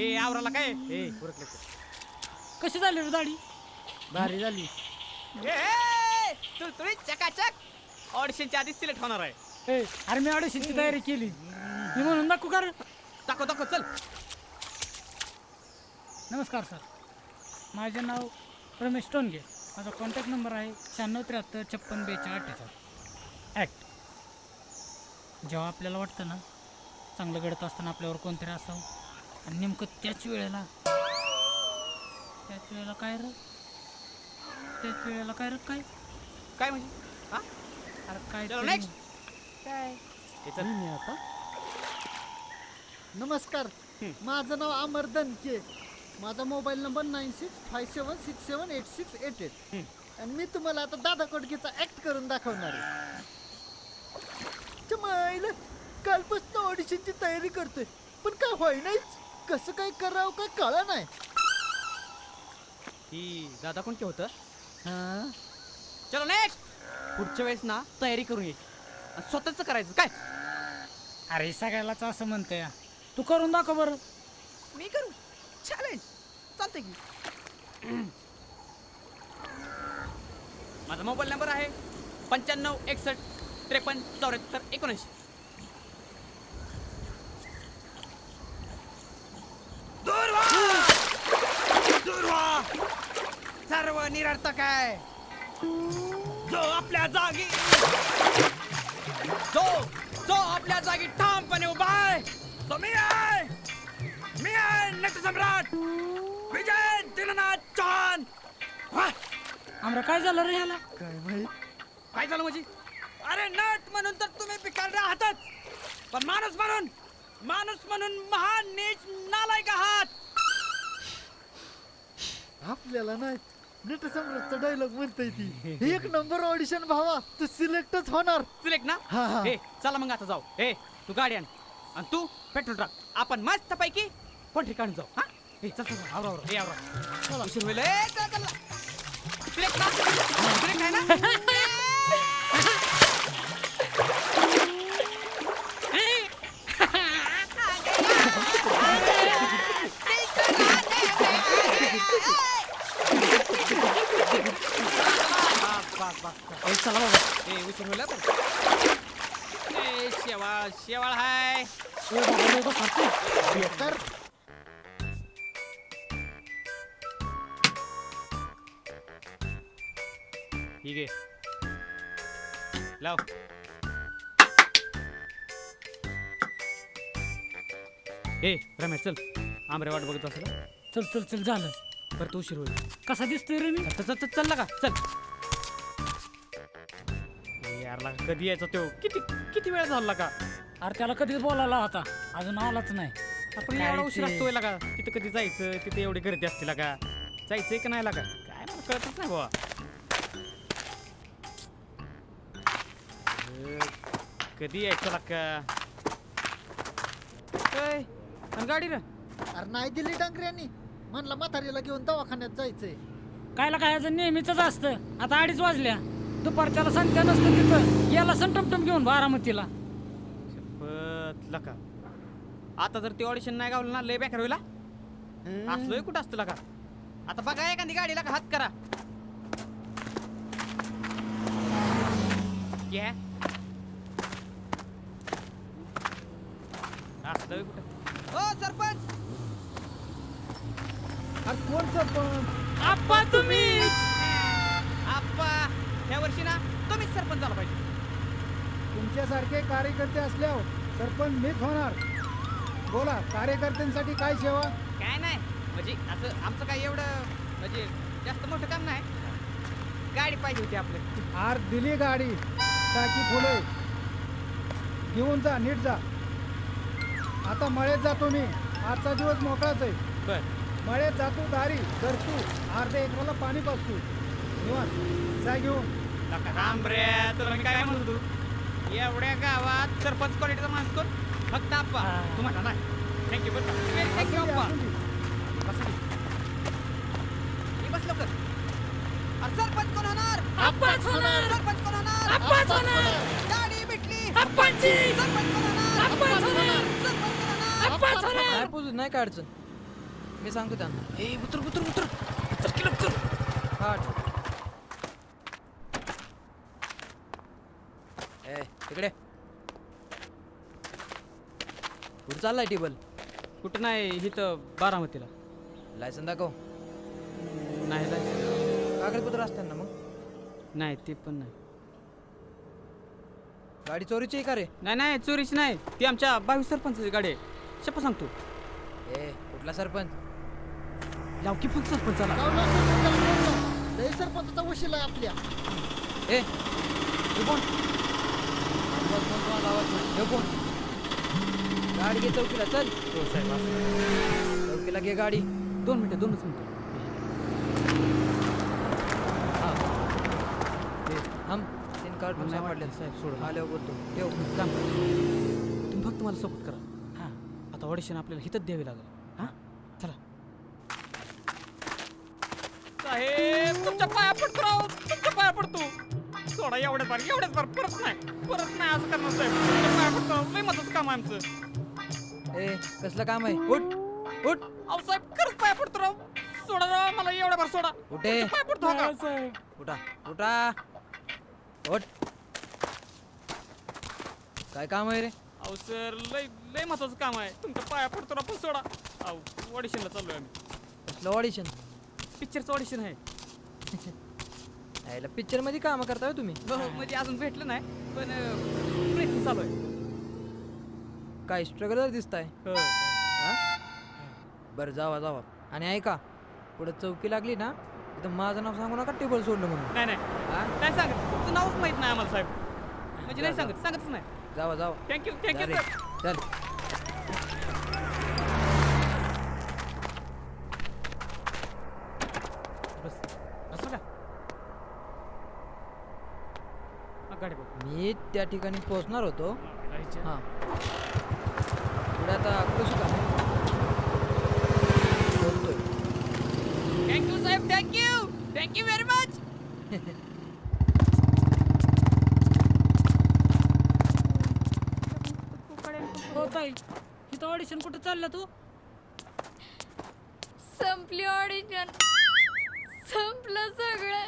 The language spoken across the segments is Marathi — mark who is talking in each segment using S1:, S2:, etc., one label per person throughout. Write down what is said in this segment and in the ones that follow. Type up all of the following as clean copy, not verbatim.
S1: ए आवराला काय ए उरकले
S2: कशी झाली रे दाढी?
S3: भारी झाली.
S1: तू तुम्ही चकाचक ऑडिशनच्या आधी सिलेक्ट होणार आहे.
S2: ए अरे मी ऑडिशनची तयारी केली. मी म्हणून दाखवू का रे?
S1: दाखव चल.
S2: नमस्कार सर, माझे नाव रमेश टोनगे. माझा कॉन्टॅक्ट नंबर आहे 9673564248. ॲक्ट. जेव्हा आपल्याला वाटतं ना चांगलं घडत असताना आपल्यावर कोणतरी असावं आणि नेमकं त्याच वेळेला काय
S1: काय म्हणजे हा
S2: अरे काय
S1: चलो
S2: तरी-
S1: नेक्स्ट काय हे चल.
S3: मी आता नमस्कार, माझं नाव अमर दनके. माझा मोबाईल नंबर 9657678688. आणि मी तुम्हाला आता दादा कोडकेचा ऍक्ट करून दाखवणार आहे. चमाईला कालपासून ऑडिशनची तयारी करतोय, पण काय होई नाहीच. कसं काय करावं काय कळलं नाही.
S1: ही दादा कोण के होतं.
S3: हा,
S1: चलो नेक्स्ट. पुढच्या वेळेस ना तयारी करून ये आणि स्वतःच करायचं काय.
S2: अरे सगळ्यालाच असं म्हणतोय. तू करून दाखव बरं.
S1: मी करू चॅलेंज चालतंय की. माझा मोबाईल नंबर आहे 9561537479. दूर व्हा सर्व निरर्थक आहे. जो आपल्या जागी ठामपणे उभा आहे तो मी आहे नटसम्राट विजय दिलनाथ चौहान.
S2: आमरा काय झालं रे ह्याला?
S3: काय माहित.
S1: काय झालं म्हणजे? अरे नट म्हणून तर तुम्ही पिकाडले आहातच, पण माणूस म्हणून महान नीच नालायक आहात.
S3: आपल्याला नाही नटसम्राटचा डायलॉग म्हणताय ती. एक नंबर ऑडिशन भावा, तू सिलेक्टच होणार.
S1: सिलेक्ट ना.
S3: हा, हा.
S1: ए चला मग आता जाऊ. ए तू गाडी आण आणि तू पेट्रोल टाक. आपण मस्त पैकी पण ठिकाणी जाऊ. हा ए चल आवरा. चला उशीर होईल. ए चल सिलेक्ट ना. सिलेक्ट आहे ना.
S2: ए, चला बाबा.
S1: ए उशीर होईल बरं. ए शेवाळ हाय.
S2: ए बाबा, लय बसतो.
S3: बेकार.
S1: ठीक आहे लाव. ए रमेश चल. आमरे वाट बघत असेल.
S2: चल झालं.
S1: परत उशीर होईल.
S2: कसा दिसतोय रे मी?
S1: चल का चल. यारला कधी यायचा तो किती वेळ झाला का.
S2: अरे त्याला कधीच बोलायला होता, अजून आलाच नाही.
S1: आपण
S2: काय
S1: एवढा उशीर
S2: ते?
S1: असतोय का. तिथं कधी जायचं, तिथे एवढी गर्दी असते का. जायचंय का नाही का काय मला कळतच नाही बाबा. कधी यायचं का काय. आणि गाडी रे
S3: अरे नाही दिली डांगऱ्यांनी. म्हणला म्हातारीला घेऊन दवाखान्यात जायचंय.
S2: कायला काय नेहमीच असतं. आता 2:30 वाजल्या. दुपारच्याला सांगता नसतं तिथं याला टमटम घेऊन बारामतीला.
S1: लका आता जर ते ऑडिशन नाही गावलं ना लय बेकार होईल. असलोय कुठं असतं लका. आता बघा एखादी गाडीला का हात करा. घ्या असलोय कुठं. ओ सरपंच.
S3: अरे कोण सरपंच?
S2: आप्पा तुम्हीच.
S1: आप्पा ह्या वर्षी ना तुम्हीच सरपंच झाला पाहिजे.
S4: तुमच्यासारखे कार्यकर्ते असल्यावर सरपंच मीच होणार. बोला, कार्यकर्त्यांसाठी काय सेवा?
S1: काय नाही म्हणजे असं आमचं काय एवढं म्हणजे जास्त मोठं काम नाही. गाडी पाहिजे होती आपलं.
S4: आर दिली गाडी, टाकी फुले घेऊन जा, नीट जा. आता मळ्यात जातो मी. आजचा दिवस मोकळाच आहे.
S1: बर
S4: मळ्यात जातो, दारी धरतो, अर्ध्या एकराला पाणी पाजतो. निवांत जा घेऊन.
S1: राम रे तुला मी काय म्हणतो. तू एवढ्या गावात सरपंच क्वालिटीचा माणूस कोण. फक्त आप्पा तू म्हणा ना. थँक्यू बरं. थँक्यू आप्पा. बस लवकर. अरे सरपंच कोण होणार.
S2: आप्पाच होणार.
S1: सरपंच कोण होणार.
S2: आप्पाच होणार.
S1: गाडी भेटली.
S2: आप्पाची.
S1: सरपंच कोण होणार.
S2: आप्पाच होणार.
S1: सरपंच कोण होणार.
S2: आप्पाच होणार.
S5: नाही पोचू नाही काय अडचण. मी सांगतो त्यांना.
S2: ए उतर उतर उतर उतर की लवकर.
S5: हा ए तिकडे कुठं चाललाय टेबल?
S1: कुठं नाही इथं बारामतीला.
S5: लायसन दाखव.
S1: नाही जायचं.
S5: कागदपत्र असतात ना मग?
S1: नाही ते पण नाही.
S5: गाडी चोरीची आहे का रे?
S1: नाही नाही चोरीची नाही, ती आमच्या 22 सरपंचाची गाडी आहे. शपथ सांगतो.
S5: ए कुठला सरपंच?
S1: लावकी पण सरपंचाला.
S3: लावला सरपंचाला लावला. लय सरपंचाचा वशील आहे आपल्या.
S5: ए तू कोण? आवाज कोण कोणाला आवाज नाही. हे कोण? गाडी घे चौकीला चल.
S1: हो साहेब असं.
S5: चौकीला घे गाडी.
S1: 2 मिनिटं 2च मिनिटं.
S5: हा थांब. तीन कार्ड
S1: नाही
S5: सापडले
S1: वाटलं साहेब सोडून.
S5: आल्यावर बोलतो. ठेव.
S1: काम करा. तुम्ही फक्त मला सपोर्ट करा. हां आता ऑडिशन आपल्याला हिथंच द्यावी लागेल. हां चला. साहेब तुमच्या पाया पडतो राव, तुमच्या पाया पडतो. सोडा एवढ्याच बार परत नाही असं करणार साहेब. तुमच्या पाया पडतो. लय महत्वाचं काम आहे आमचं.
S5: ए कसलं काम आहे? उठ उठ.
S1: अहो साहेब खरंच पाया पडतो राव. सोडा राव मला एवढ्या बार सोडा.
S5: उठे.
S1: तुमच्या पाया पडतो का?
S2: साहेब
S5: उठा उठा. उठ. काय काम आहे रे?
S1: अहो सर लय लय महत्वाचं काम आहे. तुमच्या पाया पडतो राव पण सोडा. अहो ऑडिशनला चाललोय आम्ही.
S5: कसलं ऑडिशन?
S1: पिक्चरचं ऑडिशन आहे.
S5: यायला पिक्चर मध्ये काम करताय तुम्ही?
S1: हो म्हणजे अजून भेटलं नाही पण प्रयत्न चालू आहे.
S5: काय स्ट्रगलर दिसताय?
S1: हो.
S5: हा? बरं जावा जावा. आणि ऐका पुढे चौकी लागली ना तिथं माझं नाव सांगू नका टेबल सोडलं म्हणून.
S1: नाही नाही
S5: हा?
S1: नाही सांगत. तुमचं नावच माहित नाही आम्हाला साहेब. म्हणजे नाही
S5: जा,
S1: सांगतच नाही.
S5: जावा जावा.
S1: थँक्यू
S5: जा रे.
S1: सर.
S5: चल.
S1: बस बस का गाडी बघ.
S5: मी त्या ठिकाणी पोहोचणार होतो.
S1: गाडीच्या.
S5: हां पुढे आता कशी काम बोलतोय.
S1: थँक्यू साहेब थँक्यू व्हेरी मच.
S2: हो ताई इथं ऑडिशन कुठं चालला तू?
S6: संपली ऑडिशन, संपलं सगळं.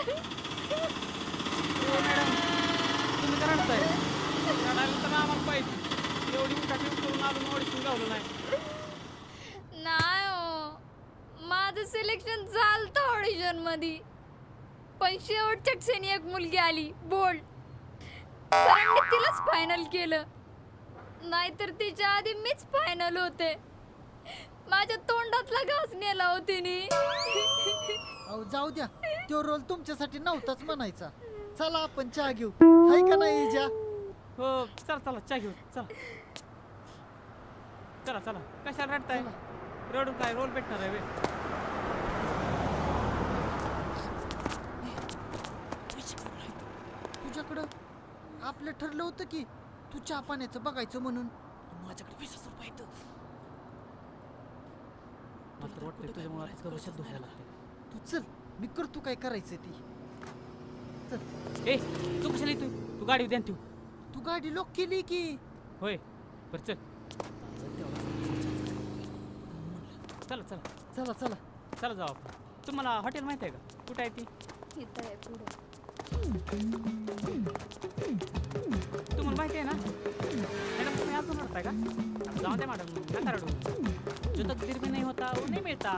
S1: तुम्ही तर रडताय. रडायला तर आम्हाला पाहिजे. एवढी उठाठी करून अजून ऑडिशन गावलं नाही.
S6: नाही हो, माझं सिलेक्शन झालं ऑडिशन मध्ये, पण शेवटच्या क्षणी एक मुलगी आली बोल्ड. सरांनी तिलाच फायनल केलं, नाहीतर तिच्या आधी मीच फायनल होते. माझ्या तोंडातला घास नेला हो तिने.
S3: अहो जाऊ द्या, तो रोल तुमच्यासाठी नव्हताच म्हणायचा. चला आपण चहा घेऊ, हाय का नाही इजा?
S1: हो चला चला चहा घेऊ चला. चला चला कशाला रडताय? रडून काय रोल भेटणार आहे बे?
S3: तुझ्याकडं आपलं ठरलं होतं की तू चहा पाण्याचं बघायचं म्हणून.
S1: माझ्याकडे 20,000 रुपये आहेत. मला तर वाटतंय तुझ्यामुळे आता भविष्यात धोका लागते.
S3: तू चल, मी करतो काय करायचं ती. चल.
S1: ए तू कशाला येतोय? तू गाडी द्या ठेवू.
S3: तू गाडी लॉक केली की?
S1: होय बरं चल. चला चला
S3: चला चला.
S1: चला जाऊ आपण. तुम्हाला हॉटेल माहिती आहे का? कुठं आहे ती?
S6: इथं आहे पुढे.
S1: तुम्हाला माहिती आहे ना मॅडम? तुम्ही अजून रडताय का? जाऊ द्या मॅडम नका रडू. जो तकदीर में नहीं होता वो नहीं मिळता.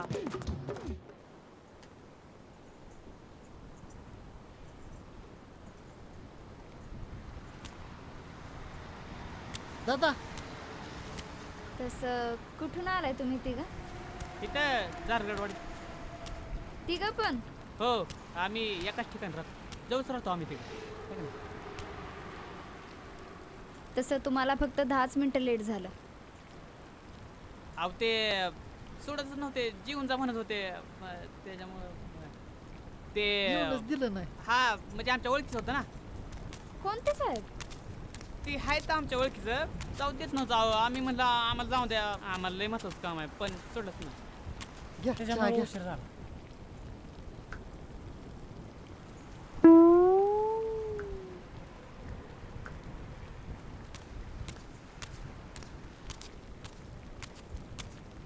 S3: दादा
S6: तसं कुठून आलाय तुम्ही तिघं?
S1: तिथं जारगडवाडी.
S6: तिघं पण?
S1: हो आम्ही एकाच ठिकाणी राहतो. जवळच राहतो आम्ही तिकडे.
S6: तसं तुम्हाला फक्त 10च मिनिटं लेट झालं.
S1: अहो ते सोडतच नव्हते, जीवन जा म्हणत होते. त्याच्यामुळं ते
S3: एवढंच दिलं नाही.
S1: हा म्हणजे आमच्या ओळखीचं होतं ना.
S6: कोणते साहेब?
S1: ती आहे तर आमच्या ओळखीचं. जाऊ देत नव्हतं. अहो, आम्ही म्हणलं आम्हाला जाऊ द्या, आम्हाला लय महत्वाचं काम आहे, पण सोडलंच नाही.
S3: घ्या चहा
S2: त्याच्यामुळे
S3: घ्या.
S2: उशीर झाला.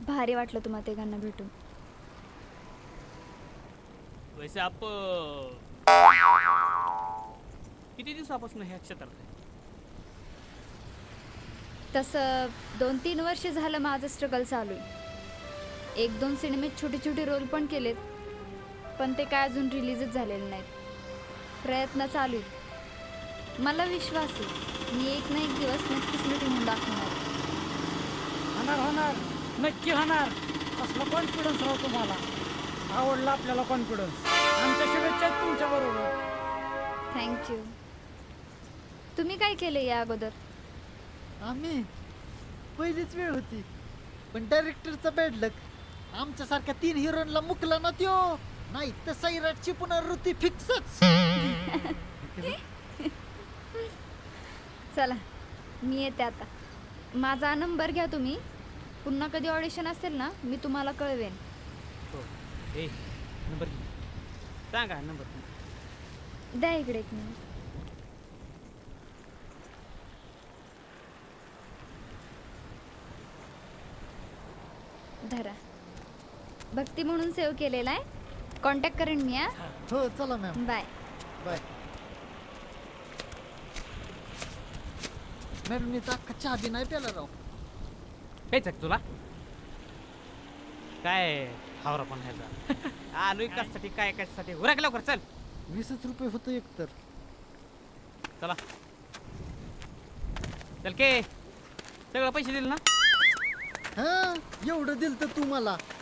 S6: भारी वाटलं तुम्हा तिघांना भेटून.
S1: वैसे आप किती दिवसापासून ह्या क्षेत्रात आहे?
S6: तसं 2-3 वर्ष झालं माझं स्ट्रगल चालू आहे. 1-2 सिनेमेत छोटे छोटे रोल पण केलेत, पण ते काय अजून रिलीजच झालेले नाहीत. प्रयत्न चालू आहेत. मला विश्वास आहे मी एक ना एक दिवस नक्कीच नटी म्हणून दाखवणार.
S2: होणार होणार नक्की होणार. असला कॉन्फिडन्स राहतो तुम्हाला. आवडला आपल्याला कॉन्फिडन्स. आमच्या शुभेच्छा आहेत तुमच्या बरोबर.
S6: थँक्यू. तुम्ही काय केलं या अगोदर?
S3: आम्ही पहिलीच वेळ होती, पण डायरेक्टरचा बॅड लक. आमच्यासारख्या 3 हिरोनला मुकला ना त्यो, नाही तर सैराटची पुनरावृत्ती फिक्सच.
S6: चला मी येते आता. माझा नंबर घ्या तुम्ही. पुन्हा कधी ऑडिशन असेल ना मी तुम्हाला कळवेन.
S1: हो. ए नंबर घे. सांगा नंबर.
S6: द्या इकडे एक मिनिट. धरा. भक्ती म्हणून सेव्ह केलेला आहे. कॉन्टॅक्ट करेन मी.
S3: हो चला मॅम,
S6: बाय.
S3: बाय. मॅडम मी तर अख्खा चहा बी नाही प्याला राव.
S1: प्यायचं का तुला? काय हावरा पण ह्याचा. आलोय कशासाठी काय कशासाठी? उरक लवकर चल.
S3: 20च रुपये होतं एक तर.
S1: चला चल के सगळं पैसे दिले ना?
S3: हा एवढं दिलं तर तू मला